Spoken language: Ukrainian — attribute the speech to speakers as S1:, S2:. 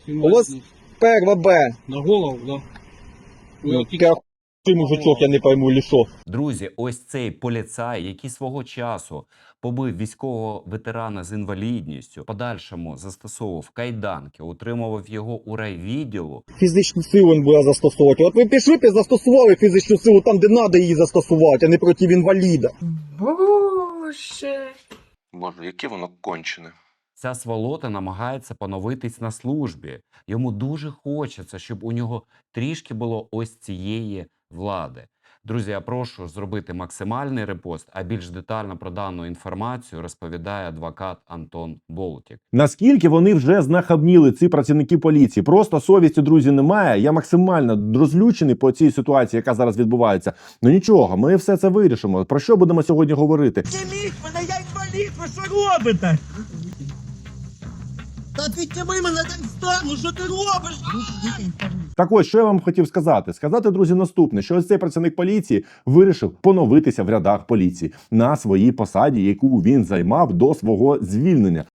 S1: У вас перва Б.
S2: На голову, да.
S1: Ну, ти мужичок, я не пойму, лісо.
S3: Друзі, ось цей поліцай, який свого часу побив військового ветерана з інвалідністю, в подальшому застосовував кайданки, утримував його у райвідділу.
S1: Фізичну силу він буде застосовувати. От ви пішли б і застосували фізичну силу там, де треба її застосувати, а не проти інваліда.
S4: Боже.
S5: Боже, яке воно кончене.
S3: Ця сволота намагається поновитись на службі. Йому дуже хочеться, щоб у нього трішки було ось цієї влади. Друзі, я прошу зробити максимальний репост, а більш детально про дану інформацію розповідає адвокат Антон Болтік.
S6: Наскільки вони вже знахабніли, ці працівники поліції? Просто совісті, друзі, немає. Я максимально розлючений по цій ситуації, яка зараз відбувається. Ну нічого, ми все це вирішимо. Про що будемо сьогодні говорити?
S7: Підніміть мене, я інвалід, ви що робите? Та підніми мене, дай встану, що ти робиш?
S6: Так ось, що я вам хотів сказати? Сказати, друзі, наступне, що ось цей працівник поліції вирішив поновитися в рядах поліції на своїй посаді, яку він займав до свого звільнення.